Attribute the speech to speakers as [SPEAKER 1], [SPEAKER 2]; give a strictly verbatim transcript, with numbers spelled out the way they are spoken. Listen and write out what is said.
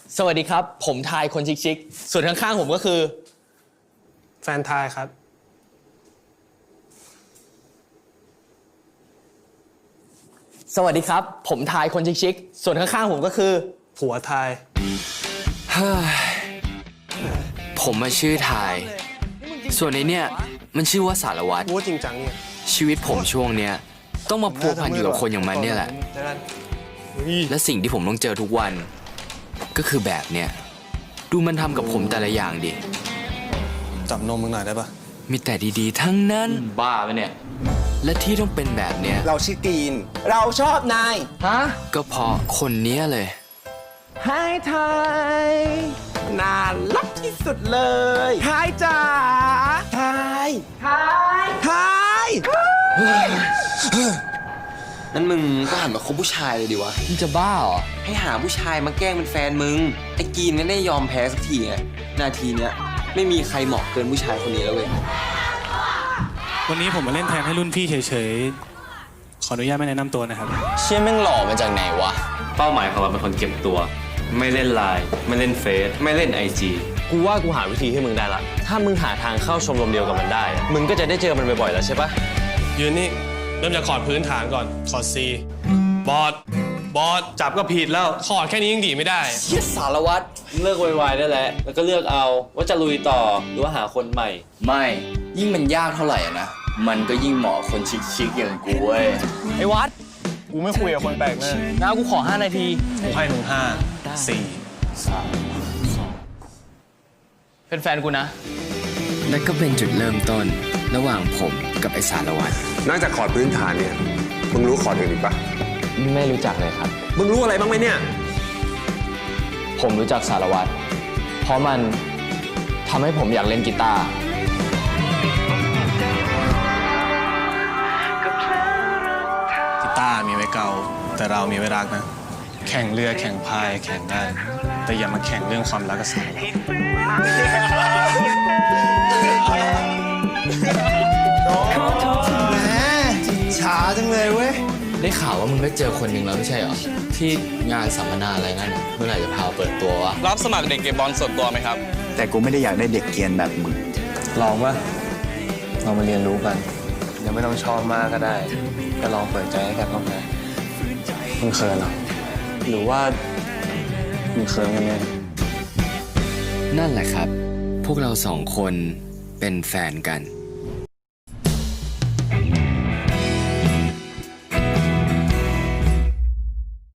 [SPEAKER 1] สวัสดีครับผมทายคนชิคๆส่วนข้างๆผมก็คือ
[SPEAKER 2] แฟนทายครับ
[SPEAKER 1] สวัสดีครับผมทายคนชิคๆส่วนข้างๆผมก็คือ
[SPEAKER 2] ผัวทาย
[SPEAKER 3] ผมมาชื่อทายส่วนในเนี่ยมันชื่อว่าสารวัตร
[SPEAKER 2] พูดจริงจังเนี่ย
[SPEAKER 3] ชีวิตผมช่วงเนี้ยต้องมาพัวพันอยู่กับคนอย่างมันเนี่ยแหละและสิ่งที่ผมต้องเจอทุกวันก็คือแบบเนี้ยดูมันทำกับผมแต่ละอย่างดิ
[SPEAKER 2] จับนมมึงหน่อยได้ปะ
[SPEAKER 3] มีแต่ดีๆทั้งนั้น
[SPEAKER 1] บ้าไปเนี่ย
[SPEAKER 3] และที่ต้องเป็นแบบเนี้ย
[SPEAKER 4] เราชื่อกรีนเราชอบนาย
[SPEAKER 1] ฮะ
[SPEAKER 3] ก็เพราะคนเนี้ยเลย
[SPEAKER 4] ให้ทายน่ารักที่สุดเลยทายจ๋าทายทายทาย
[SPEAKER 5] นั่นมึงก็หันมาคบผู้ชายเลยดิวะ
[SPEAKER 1] มึงจะบ้าเหรอ
[SPEAKER 5] ให้หาผู้ชายมาแกล้งเป็นแฟนมึงไอ้กีนไม่ได้ยอมแพ้สักทีไงนาทีเนี้ยไม่มีใครเหมาะเกินผู้ชายคนนี้แล้วเว้ย
[SPEAKER 2] วันนี้ผมมาเล่นแทนให้รุ่นพี่เฉยๆขออนุญาตไม่แนะนำตัวนะครับ
[SPEAKER 1] เชี่ยแม่งหล่อมาจากไหนวะ
[SPEAKER 6] เป้าหมายของเราเป็นคนเก็บตัวไม่เล่นไลน์ไม่เล่นเฟซไม่เล่นไอจี
[SPEAKER 7] กูว่ากูหาวิธีให้มึงได้ละถ้ามึงหาทางเข้าชมรมเดียวกับมันได้มึงก็จะได้เจอมันบ่อยๆแล้วใช่ปะ
[SPEAKER 2] ยืนนี่เริ่มจากคอร์ดพื้นฐานก่อนคอร์ด C บอสบอสจับก็ผิดแล้วคอร์ดแค่นี้ยังดีไม่ได้
[SPEAKER 1] เชี่ยสารวัตร
[SPEAKER 6] เลิกวายๆได้แล้วแล้วก็เลือกเอาว่าจะลุยต่อหรือว่าหาคนใหม่
[SPEAKER 3] ไม่ยิ่งมันยากเท่าไหร่นะมันก็ยิ่งเหมาะคนชิคๆอย่างกูเว้ย
[SPEAKER 1] ไอ้วัด
[SPEAKER 2] กูไม่คุยกับคนแปลกหน้า
[SPEAKER 1] น้ากูขอห้านาที
[SPEAKER 2] กูให้มึงห้าสี่สามสอง
[SPEAKER 1] เป็นแฟนกูนะ
[SPEAKER 3] และก็เป็นจุดเริ่มต้นระหว่างผมกับไอ้สารวัตร
[SPEAKER 8] นอกจากคอร์ดพื้นฐานเนี่ยมึงรู้คอร์ดอื่นอีกปะ
[SPEAKER 1] ไม่รู้จักเลยครับ
[SPEAKER 8] มึงรู้อะไรบ้างไหมเนี่ย
[SPEAKER 1] ผมรู้จักสารวัตรเพราะมันทำให้ผมอยากเล่นกีตาร์
[SPEAKER 2] กีตาร์มีไว้เกาแต่เรามีไว้รักนะแข่งเรือแข่งพายแข่งได้แต่อย่ามาแข่งเรื่องความรักกับสารวัตร
[SPEAKER 4] ช้าจังเลยเว้ย
[SPEAKER 3] ได้ข่าวว่ามึงไปเจอคนหนึ่งแล้วไม่ใช่เหรอที่งานสัมมนาอะไรนั่นเมื่อไหร่จะพาเปิดตัววะ
[SPEAKER 7] รับสมัครเด็กเก็บบอลส่วนตัวไหมครับ
[SPEAKER 9] แต่กูไม่ได้อยากได้เด็กเกรียนแบบมึง
[SPEAKER 2] ลองป่ะเรามาเรียนรู้กันยังไม่ต้องชอบมากก็ได้ก็ลองเปิดใจให้กันบ้างนะมึงเขินเหรอหรือว่ามึงเขินกันเนี่ย
[SPEAKER 3] นั่นแหละครับพวกเราสองคนเป็นแฟนกัน